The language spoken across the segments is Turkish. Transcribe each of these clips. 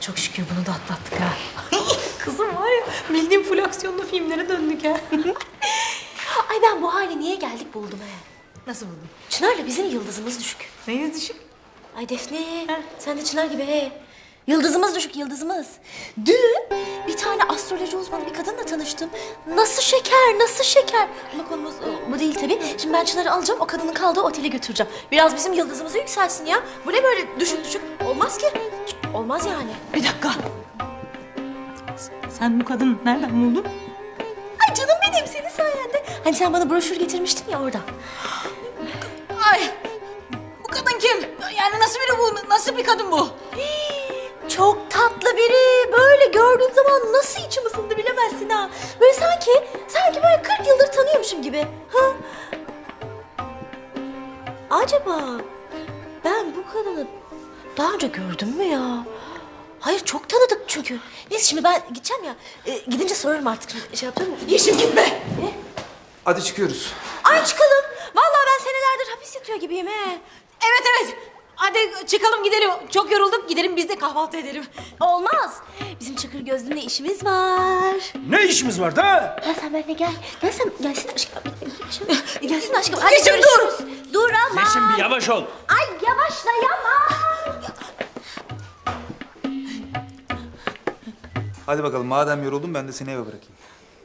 çok şükür bunu da atlattık ha. Kızım var ya, bildiğim full aksiyonlu filmlere döndük ha. Ay ben bu hale niye geldik buldum he. Nasıl buldun? Çınar'la bizim yıldızımız düşük. Neyiniz düşük? Ay Defne, sen de Çınar gibi he. Yıldızımız düşük, yıldızımız. Dün bir tane astroloji uzmanı bir kadınla tanıştım. Nasıl şeker, nasıl şeker. Ama konumuz bu değil tabii. Şimdi ben Çınar'ı alacağım, o kadının kaldığı otele götüreceğim. Biraz bizim yıldızımızı yükselsin ya. Bu ne böyle düşük düşük? Olmaz ki. Olmaz yani. Bir dakika. Sen bu kadını nereden buldun? Ay canım benim, senin sayende. Hani sen bana broşür getirmiştin ya orada. Ay! Bu kadın kim? Yani nasıl biri bu? Nasıl bir kadın bu? Çok tatlı biri. Böyle gördüğüm zaman nasıl içim ısındı bilemezsin ha. Böyle sanki böyle 40 yıldır tanıyormuşum gibi. Ha? Acaba ben bu kadını daha önce gördüm mü ya? Hayır, çok tanıdık çünkü. Neyse şimdi ben gideceğim ya. Gidince sorarım artık. Şey yapacağım mı? Yeşim gitme. Ne? Hadi çıkıyoruz. Ay çıkalım. Vallahi ben senelerdir hapis yatıyor gibiyim he. Evet. Hadi çıkalım gidelim. Çok yorulduk. Gidelim biz de kahvaltı edelim. Olmaz. Bizim Çakır Gözlü'nle işimiz var. Ne işimiz var da? Gel sen benimle gel. Gelsin aşkım. Gelsin aşkım. Hadi Yeşim, görüşürüz. Dur ama. Yeşim bir yavaş ol. Ay yavaşlayamam. Hadi bakalım madem yoruldun ben de seni eve bırakayım.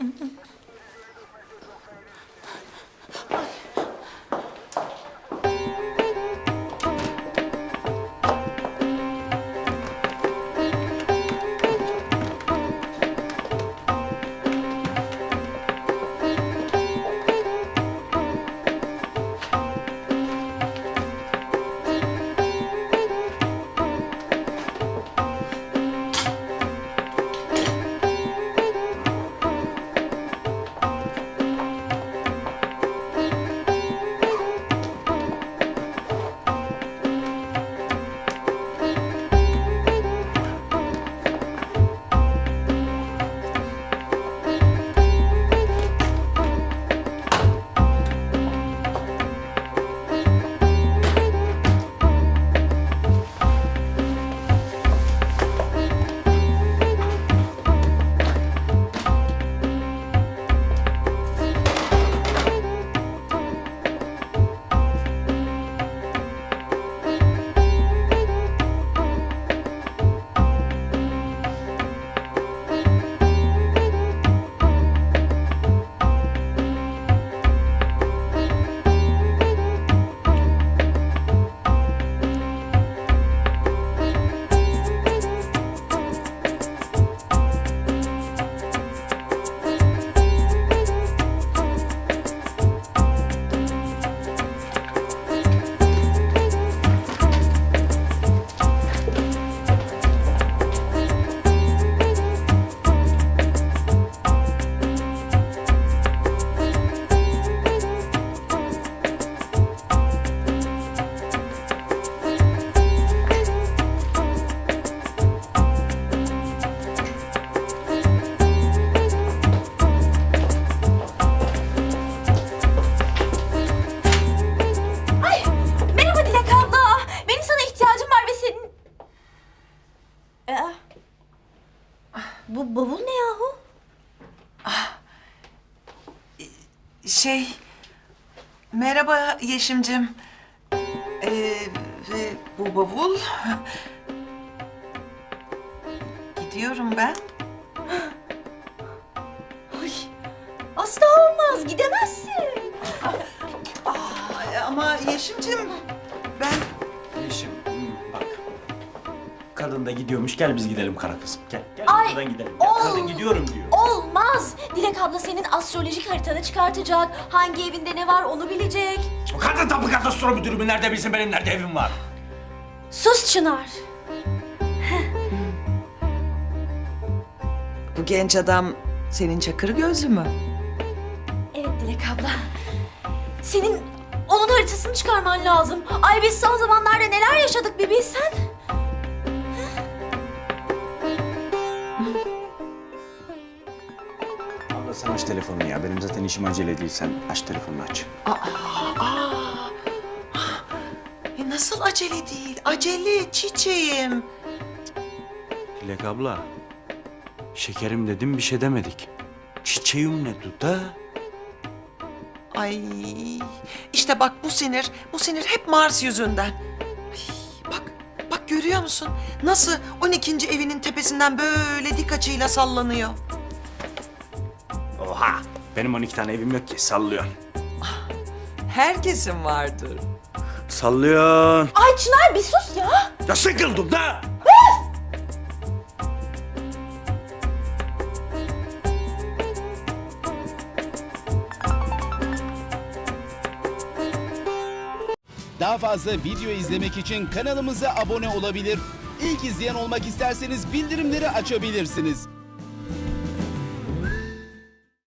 Ay merhaba Dilek abla. Benim sana ihtiyacım var ve senin... Bu bavul ne yahu? Merhaba Yeşimcim. Bu bavul. Gidiyorum ben. Ay asla olmaz, gidemezsin. Ama Yeşimcim ben... Yeşim, bak. Kadın da gidiyormuş, gel biz gidelim kara kızım. Gel Ay, buradan gidelim. Gel, kadın gidiyorum diyor. Olmaz. Dilek abla senin astrolojik haritanı çıkartacak. Hangi evinde ne var onu bilecek. O kadın tapu kadastro müdürü mü nerede bilsin benim nerede evim var? Sus Çınar. Bu genç adam senin Çakır Gözlü mü? Evet Dilek abla. Senin onun haritasını çıkarman lazım. Ay biz son zamanlarda neler yaşadık bir bilsen. Abla sen aç telefonunu ya. Benim zaten işim acele değil. Sen aç telefonunu aç. Nasıl acele değil? Acele çiçeğim. Dilek abla. Şekerim dedim bir şey demedik. Çiçeğim ne duda? Ay işte bak bu sinir hep Mars yüzünden. Ay, bak görüyor musun? Nasıl 12. evinin tepesinden böyle dik açıyla sallanıyor. Oha! Benim 12 tane evim yok ki sallıyorsun. Herkesin vardır. Sallıyorsun. Ay Çınar bir sus ya. Ya sıkıldım da! Daha fazla video izlemek için kanalımıza abone olabilir. İlk izleyen olmak isterseniz bildirimleri açabilirsiniz.